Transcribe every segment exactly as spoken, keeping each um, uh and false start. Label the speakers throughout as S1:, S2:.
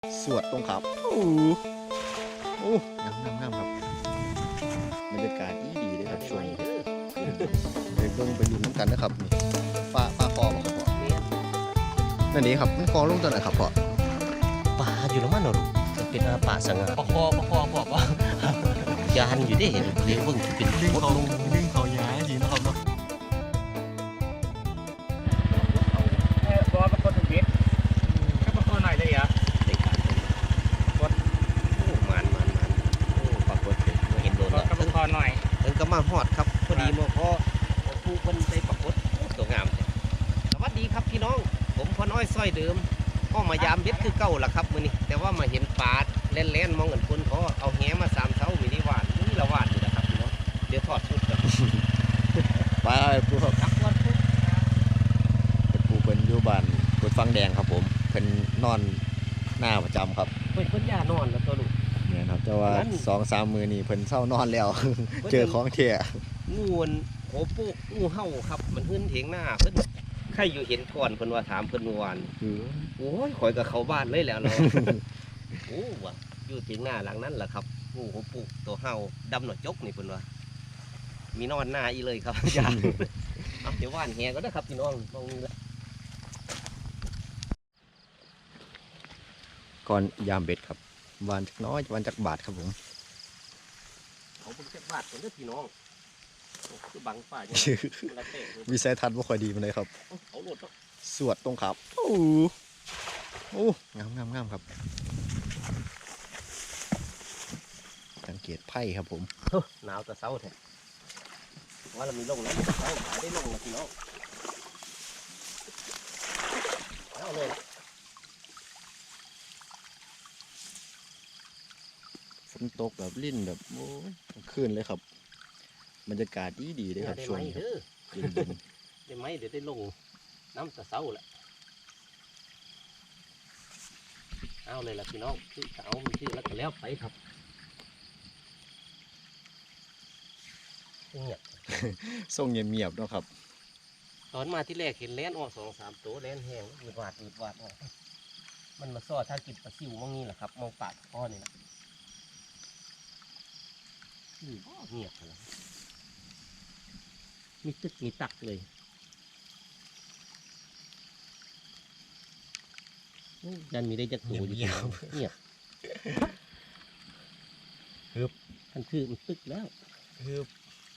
S1: สวดตรงครับโอ้โอ้งามงามงามครับบรรยากาศดีดีเลยครับช่วงนี้ไปเบิ่งไปดูน้ำกันนะครับนี่ปลาปลาคอมาครับพ่อนั่นนี่ครับมันคอลงตัวไหนครับพ่อ
S2: ปลาอยู่แล้วมันเหรอลูกมันเป็นอาปลาสังหาร
S3: ประคอประคอบอกว่าย
S2: านอยู่ได้เห็นเลี้ยงเบิ่งเป็น
S3: ดึง
S2: มด
S3: เขา
S2: ลง
S3: ดึงเขาย้ายดีนะครับเนาะบอสประคอถึงเบ็ดก็ประคอหน่อยเลยเหรอ
S2: ในการกดโอ้มันมันมันโอ้ปรากฏเห็นเห็นโดนแล้ว
S3: ก็ประคอหน่อย
S2: ถึงก็มาฮอดครับพอดีมาพอผู้คนได้ปรากฏโอ้ตัวงามเลยสวัสดีครับพี่น้องผมพ่อน้อยสร้อยเดิมก็มายามเบ็ดคือเก่าล่ะครับมื้อนี้แต่ว่ามาเห็นปลาเล่นเล่นๆมองเห็นคนเขาเอาแหมาสามเท้ามีได้หวานนี่ละหวานอยู่นะครับพี่น้องเดี๋ยวทอดชุดกัน
S1: ปลาปูครับ
S2: ครับวันพุธ
S1: ปูเป็นอยู่บ้านกดฟังแดงครับผมเป็นนอนหน้าประจำครับ
S2: เพิ่นเพิ่นย่านอนแล้วตัวลูก
S1: เนี่ยครับแต่ว่า
S2: นั้น
S1: สองสามมือนี่เพิ่นเศร้านอนแล้ว เจอของเที่ย
S2: งูนโหปุกงูเห่าครับ มันขึ้นเถียงหน้าเพิ่นใครอยู่เห็นก่อนเพิ่นว่าถามเพิ่นเมื่อวาน
S1: คือ
S2: โอ้ยข่อยกับเขาบ้านเลยแล้วเนาะ โอ้ว่ะอยู่เถียงหน้าหลังนั้นแหละครับงูโหปุกตัวเห่าดำหนวดจกนี่เพิ่นว่ามีนอนหน้าอีเลยครับ อย่าเอาเดี๋ยวว่านแหก็ได้ครับพี่น้องตรงนี้ละ
S1: ก่อนยามเบ็ดครับวานจักน้อยวานจักบาทครับผม
S2: เอาเพิ่นจักบาทเพิ่นเด้อพี่น้องโอ้คือบังป่าอย่างนั้นละเตะ
S1: วิสัยทัศน์บ่ค่อยดีมันเลยครับ
S2: เอาโหลดเนาะ
S1: สวดตรงครับโอ้โอ้งามงามงามครับสังเกตไพ่ครับผม
S2: เฮ้อหนาวแต่เช้าแท้ว่าเรามีลงแล้วเช้าขายได้ลงแล้วพี่น้องเอาเลยละ
S1: ฝนตกแบบลิ่นแบบโอ้ยขึ้นเลยครับบรรยากาศดีดีเลยครับ
S2: ได้
S1: ช่ว
S2: ไหม
S1: งนี้ครับ
S2: เด้อ
S1: เย็นเย็น
S2: ได้ไหมเดี๋ยวได้ลงน้ำตะเสาแหละเอาเลยล่ะพี่น้องชื่อเสามีชื่อแล้วก็แล้วไปครับเงียบ
S1: ส่งเงียบเงียบๆเนาะครับ
S2: ตอนมาที่แรกเห็นแล่นออกสองสามตัวแล่นแห้งอืดหวาดอืดหวาดออกมันมาซ่อถ้ากินปลาซิวมั่งนี่แหละครับมองปากพ่อนี่แหละอืมเงียบเลยมีตึกมีตักเลยโอ้ยันมีได้จักตัวอยู่เงียบเงียบฮึบท่านคือมันตึกแล้ว
S1: ฮึบ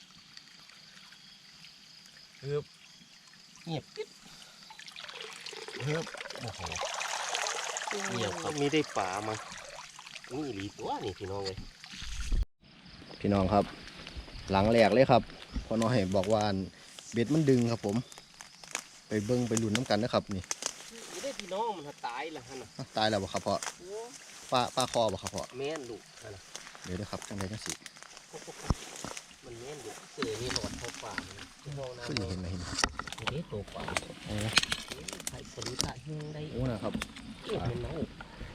S1: ฮึบ
S2: เงียบกิ๊บ
S1: ฮึบ
S2: โอ้โหเงียบครับมีได้ป่ามานี่หลีตัวนี่พี่น้องเลย
S1: พี่น้องครับ หลังแหลกเลยครับพอน้อยบอกว่าเบ็ดมันดึงครับผม ไปเบิ้งไปลุ้นน้ำกันนะครับนี่
S2: มีได้พี่น้องมันตายละฮะน่ะ
S1: ตายแล้วบ่ครับพ่อ
S2: โอ้
S1: ปลาปลาคอบ่ครับพ่อ
S2: แม่นลูกฮะน่ะ
S1: เดี๋ยวนะครับจังไดจังสิ
S2: มันแม่นลูกเสือนี่หลอดเข้าป่าเลยพี่น้องนะ
S1: ขึ้นเห็นไหมเห็นไหม
S2: มีได้ตัวป่า
S1: โอ้
S2: ไข่สลิดอะเฮงได้
S1: โอ้นะครับ
S2: เก็บมันเน่า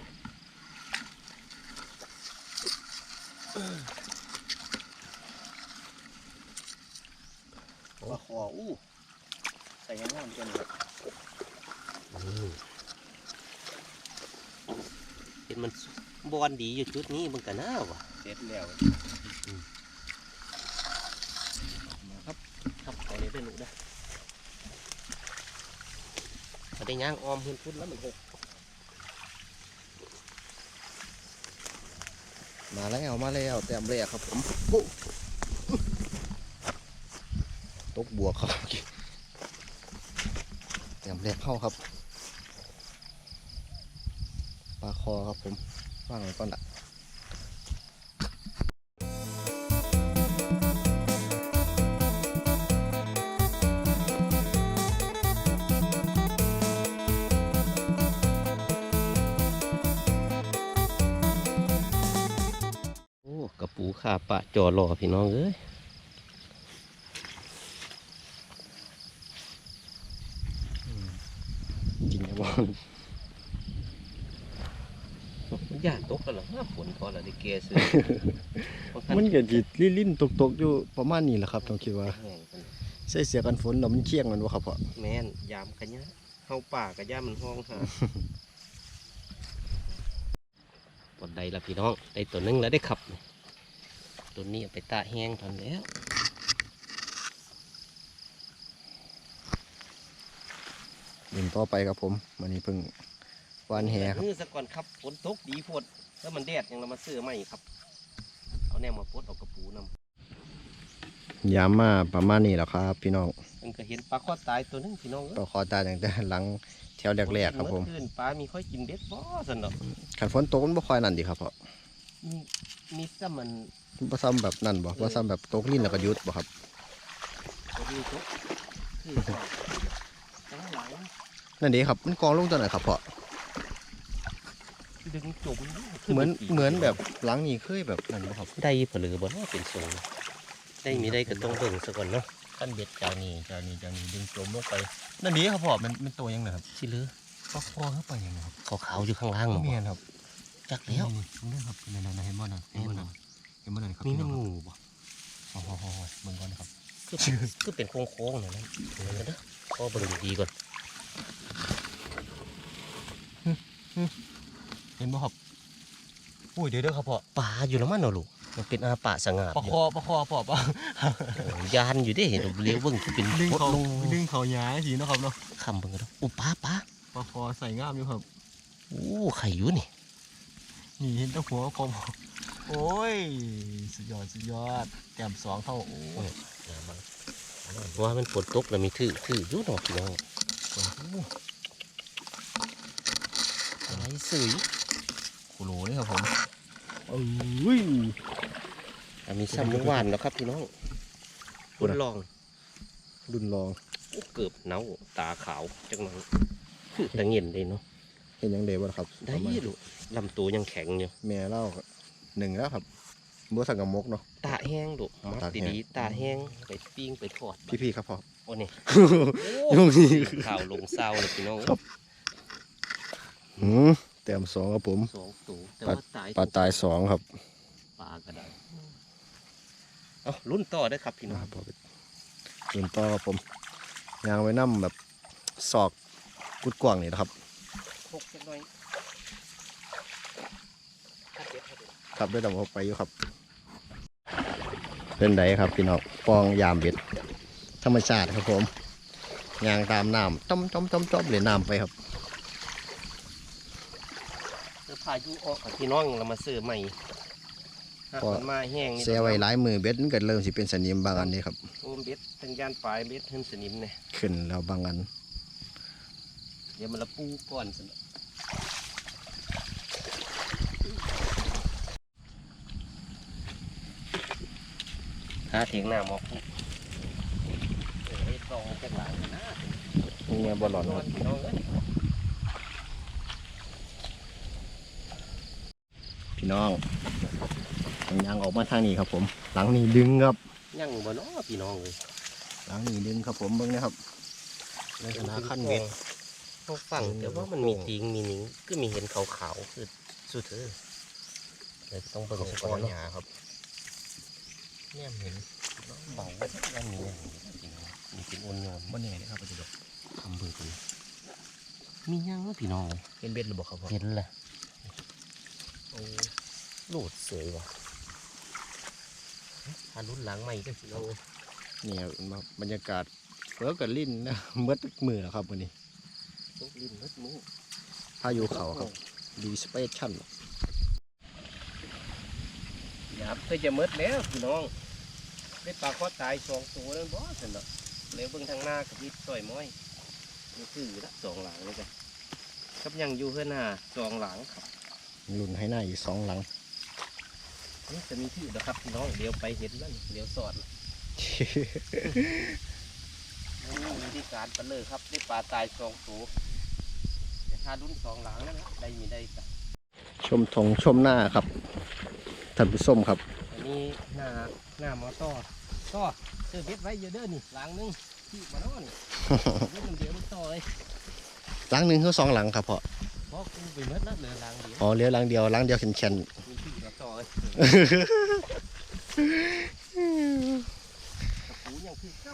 S1: ปลาคออู้ใส่งามๆกันครับ
S2: อืมเป็นมันบอลดีอยู่จุดนี้มันก็น่าวะ
S1: เสร็จแล้วมาครับ
S2: ครับเอาเลยได้ลูกได้เอาได้ย่างออมพื้นพุ่นแล้วมันหก
S1: มาแล้วมาแล้วแต้มแรกครับผมโอ้ตกบวกครับแต้มแรกเข้าครับปลาคอครับผมว่างไว้ก่อนละ
S2: โอ้กระปูขาปะจอรอพี่น้องเอ้ย
S1: จริงครับบอล
S2: มันย่านตกกันหรอว่าฝนพอละได้เกซื้อ
S1: มันก็จิลิ้นๆตกๆอยู่ประมาณนี้แหละครับต้องคิดว่า
S2: แห้งกัน
S1: ใส่เสียกันฝนแล้วมันเคี่ยงมันวะครับพ่อ
S2: แม่นยามกันยะเข้าป่ากันยามันห้องหาปนใดละพี่น้องได้ตัวหนึงแล้วได้ขับตัวนี้เอาไปตาแห้งทอนแล้ว
S1: ดินต่อไปครับผมวันนี้เพิ่งวานแหครับ
S2: มือซะก่อนครับฝนตกดีโพดแล้วมันแดดยังเรามาซื้อใหม่ครับเอาแนวมาปลดเอากระปูนำ
S1: ยามมาประมาณนี้แหละครับพี่น้อง
S2: มันก็เห็นปลาข้อตายตัวหนึงพี่น้องเอ้ย
S1: ต่อคอตาอย่างแต่หลังแถวแรกๆครับผม
S2: เอคืนปลามีค่อยกินเบ็ดบ่สนอก
S1: ขันฝนตกมันบ่ค่อยนั่นดีครับเพราะ
S2: มีมีซ้ำมัน
S1: บ่ซ้ำแบบนั่นบ่บ่ซ้ำแบบตกลิ้นแล้วก็หยุดบ่ครับ
S2: ตัวนี้ตกคือข้างหลัง
S1: นั่นดีครับมันกองลงตัวไหนครับเพราะ
S2: ดึงจม
S1: เหมือนเหมือนแบบหลังนี้เคยแบบนั่นบ่ครับ
S2: ได้ผลือบ่เนาะเป็นทรงได้มีได้ก็ต้องเบิ่งซะก่อนเนาะ
S1: ขั้นเบ็ดจากนี้จากนี้จากนี้ดึงจมลงไปนั่นดีครับเพราะมันมันตัวยังไงครับ
S2: สิเหลือ
S1: ปลาคอเข้าไปยังไงครับ
S2: ขาวๆอยู่ข้างล่างเนาะ
S1: เมียนครับ
S2: จักแล้ว
S1: นี่นี่ครับนั่นๆเห็นบ่นั่นเห็นบ่นั่นเห็นบ่นั่นครับ
S2: มีแม่นงูบ่
S1: โอ้โหเบิ่งก่อนครับ
S2: คือเป็นคือเป็นโค้งๆนั่นนะเดี๋ยวกันเด้อพอเบิ่งดีๆก่อน
S1: เห็นบ่ครับอุ้ยเดี๋ยวเด้อครับพ่อ
S2: ปลาอยู่แล้วมันเนาะลูกมันเป็นอาปะสง่า
S1: ปลาคอปลาคอพ่อปลา
S2: ยานอยู่เด้เห็นเลี้ยวเบิ่งคือเป็น
S1: ดึง
S2: พด
S1: เขา
S2: ลง
S1: ดึงเขาหยาทีเนาะครับเนาะ
S2: คำเบิ่งกันเด้อโอ้ปลาปลา
S1: ปลาคอใส่งามอยู่ครับ
S2: โอ้ไข่อยู่นี่
S1: นี่เห็นแตัวหัวคอมโอ้ยสุดยอดสุดยอดแต้มสองเท่าโอ้ย
S2: ว่ามันฝนตกแล้วมีถือถืออยู่เนาะพี่น้อง
S1: คนโอ้
S2: อะไรสื่อ
S1: โหโหลเลยครับผมเอ้ย
S2: อ่ะมีซ้ำเมื่อวานแล้วครับพี่น้องคุณลอง
S1: รุ่นรอง
S2: โอ้เกือบเน่าตาขาวจังหน่อยคือตะเงียนเลยเนาะ
S1: เห็นยังเดวะครับ
S2: ได้
S1: ประมาณ
S2: ลูกลำตัวยังแข็งอยู่
S1: แม่เล่าหนึ่งแล้วครับบัวสังกะมกเนาะ
S2: ตาแห้งลูกมัก
S1: ตากแห้ง
S2: ดีๆตาแห้งไปปิ้งไปทอด
S1: พี่ๆครับพ่อ
S2: โอ้นี่
S1: โอ้ย
S2: ข่าวลงเศร้าเลยพี่น้อง
S1: ครับ หืมแต้มสองครับผม
S2: สองตัวแต่ว่าตาย
S1: ปลาตายสองครับ
S2: ปลาก็ได้เอารุ่นต่อได้อครับพี่น้อง
S1: นะครับรุ่นต่อครับผมยางไว้น้ำแบบศอกกุดกว่างนี่นะครับ
S2: หกจังหน่อยถ้าเจ็บถ้าเจ็บ
S1: ครับได้ดำออกไปอยู่ครับ เป็นไดครับพี่น้องปองยามเบ็ดธรรมชาติครับผมยางตามน้ำจ้อมจ้อมจ้อมจ้อมเลยน้ำไปครับ
S2: เสื้อผ้ายุออกกับพี่น้องเรามาซื้อใหม่หากมันมาแห้งนี่
S1: เสียไว้หลายมือเบ็ดมันก็เริ่มสิเป็นสนิมบางอันนี่ครับ
S2: โอมเบ็ดทั้งยานปลายเบ็ดขึ้นสนิมเนี่ย
S1: ขึ้นแล้วบางอัน
S2: เดี๋ยวมันละปูก่อนสิหาเถียงหน้าหมอกไอ้ตองจากหลังนะ
S1: นี่ไงบอลหลอน
S2: นอนพี่น้องเอ้ย
S1: พี่น้องยางออกมาทางนี้ครับผม หลังนี้ดึงครับ
S2: ยังบ่เนาะพี่น้องเลย
S1: หลังนี้ดึงครับผมเบิ้งนะครับในขณะขั้นเบ็ด
S2: เขาฟังแต่ว่ามันมีติงมีหนิงก็มีเห็นขาวๆคือสุดเถอะเลยต้องเบิ่งสัก
S1: ก้
S2: ก่
S1: อ
S2: อน
S1: น
S2: เนาะ
S1: หยาครับ
S2: เนี่ยเห็นเบาว่ายังมีอย่างนี้จริงๆมีเป็นอ่อนโยน
S1: บ่แน่นะครับปัจจุบัน
S2: คำเบิ่งเลยมียังวะพี่น้องเลย
S1: เป็นเบ็ดหรือเปล่าครับพ่อ
S2: เห็นแหละโอ้โหลดเสยว่ะทานรุ่นหลังใหม่ก็สิเราเลย
S1: นี่ครับมาบรรยากาศเฟือกับลิ้นนะ เมื่อมือแล้วครับวันนี้
S2: ตกลิ้นมัดมือ
S1: พายุเขาครับดีสเปซชั่น
S2: หยาบก็จะมืดแล้วพี่น้องได้ปลาข้อตายสองตัวนั่นบ่สินเนาะแล้วเบิ่งทางหน้ากับพี่ต่อยม้อยนี่คือละสองหลังเลยจ้ะครับยังอยู่เพื่อนหน้าสองหลังครับ
S1: ลุ่นให้หน้าอีกสองหลัง
S2: นี่จะมีที่อยู่นะครับพี่น้องเดี๋ยวไปเห็นแล้วนี่เดี๋ยวสอดนะนี่มีวิธีการปลาเลยครับได้ปลาตายสองตัวแต่ถ้ารุ่นสองหลังนั่นนะได้มีได้จ้ะ
S1: ชมทงชมหน้าครับท่านผู้ชมครับ
S2: อันนี้หน้าหน้ามอต่อก็เจอเบ็ดไว้เยอะเด้อนี่หลังนึงที่มาแล้วนี่ เล่นเดียวลูกต่อเลย
S1: หลังหนึ่งคือสองหลังครับพ่อ
S2: เพราะกูไปเมื่อแล้วเหลือหลังเดียว
S1: อ๋อเหลี้ยวหลังเดียวหลังเดียวแข็ง
S2: มีที่มาต่อเลยกระปูยังคือเก้า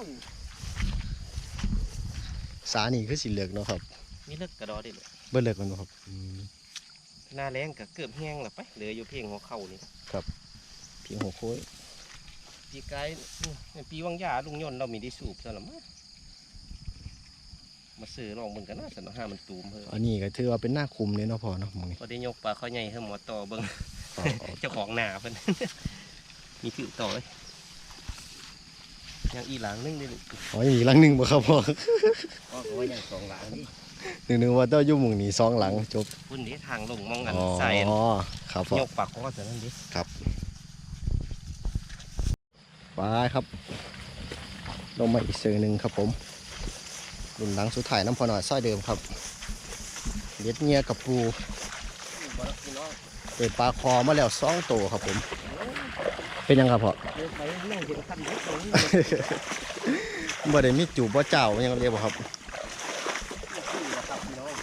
S1: ๆสานี่คือสีเหลืองเนาะครับ
S2: มีเลิกกระดอได้เลย
S1: เบิ่เหลือกมันบ่ครับ
S2: มหน้าแรงก็เกือบแห้งแล้วไปเหลืออยู่เพียงหัวเข่านี่
S1: เพียงหัวโค้ย
S2: ปีกายนี่ปีวังยาลุงยนต์เรามีได้สูบซะละมั้งมาซื้อลองเบิ่งกันนะสนห้ามันตูมเพิ่น
S1: อันนี้ก็ถือว่าเป็นหน้าคุมเลยเนาะพ่อเนาะหมองนี้
S2: พอได้ยกปลาเขาใหญ่ให้หมอต่อเบิ่ง
S1: เอาเอา
S2: เจ้าของหน้าเพิ่น มีถือต่อเลยยังอีหลังนึงได้ลูก
S1: อ๋ออีกหลังหนึงบ่ครับพ่อ
S2: ก็เขาว่ายังสองหลังนี่
S1: นึกๆว่าต้องอยู่หม่องนี้สองหลังจบ
S2: พุ่นนี้ทางลงมองกัน
S1: อ๋อ
S2: ใส่
S1: ครับพ่อย
S2: กปากคอแต่นั้นดิ
S1: ไปครับลงมาอีกเสือหนึ่งครับผมรุ่นหลังสุดท้ายน้ำพอหน่อยซอยเดิมครับเล็ดเงียกับปู
S2: บ่รับพี่น้อง
S1: เปิดปลาคอมาแล้วสองตัวครับผม เป็นยังครับพ่อ
S2: เดินไปนั่งเห็นคันรถตรงนี้
S1: บ่ได้มีจูบบ่เจ้ายังเรียกบ่ครับ
S2: ครับพี่น้อง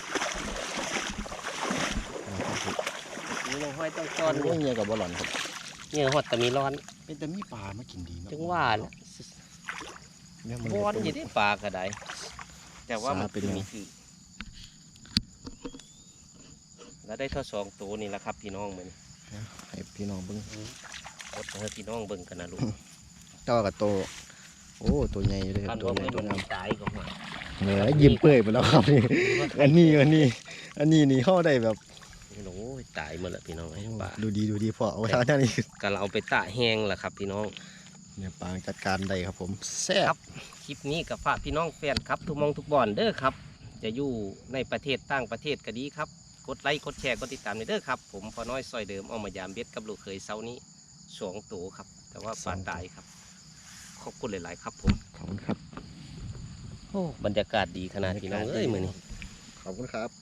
S2: นี่ลงห้อยต้อง
S1: ต
S2: ต
S1: อ
S2: อน น
S1: นี้เงียกับบ่หล่อนครับ
S2: เนี่ยหอดแต่มีร้อน
S1: เป็นแต่มีปลามากินดีเนาะ
S2: ถึงว่าน่ะ
S1: เนี่ยมัน
S2: บอนอยู่ที่ปลาก็ได้แต่ว่ามัน
S1: สาเป็นไง
S2: มีคือแล้วได้เท่าสองตัวนี่แหละครับพี่น้องมัน
S1: ให้พี่น้องเบิ่ง
S2: อดให้พี่น้องเบิ่งกันนะลูก
S1: เจ้ากับโตวโอ้ตัวใหญ่เลย
S2: การ
S1: ตัว
S2: ว่า
S1: ใหญ่
S2: เพื่อน
S1: ตัว
S2: มัน
S1: งาม
S2: ตายก็มา
S1: เหนือยิ้มเปื่อยไปแล้วครับนี่อันนี้อันนี้อันนี้นี่เข้าได้แบบ
S2: โอ้ยตายหมดแล้วพี่น้องไอ้ปลา
S1: ดูดีดูดีพอเอาไว้ทางนี้
S2: การเอาไปตะแห้งแหละครับพี่น้อง
S1: เนี่ยปางจัดการได้ครับผมแซ่บ
S2: คลิปนี้กับฝากพี่น้องแฟนครับทุกหมองทุกบ่อนเด้อครับ จะอยู่ในประเทศต่างประเทศก็ดีครับกดไลค์กดแชร์กดติดตามเด้อครับผมพอน้อยซอยเดิมเอามายามเบ็ดกับลูกเคยเซานี้สองตัวครับ แต่ว่าปลาตายครับขอบคุณหลายๆครับผม
S1: ขอบคุณครับ
S2: โอ้บรรยากาศดีขนาดพี่น้องเอ้ยมือนี้
S1: ขอบคุณครับ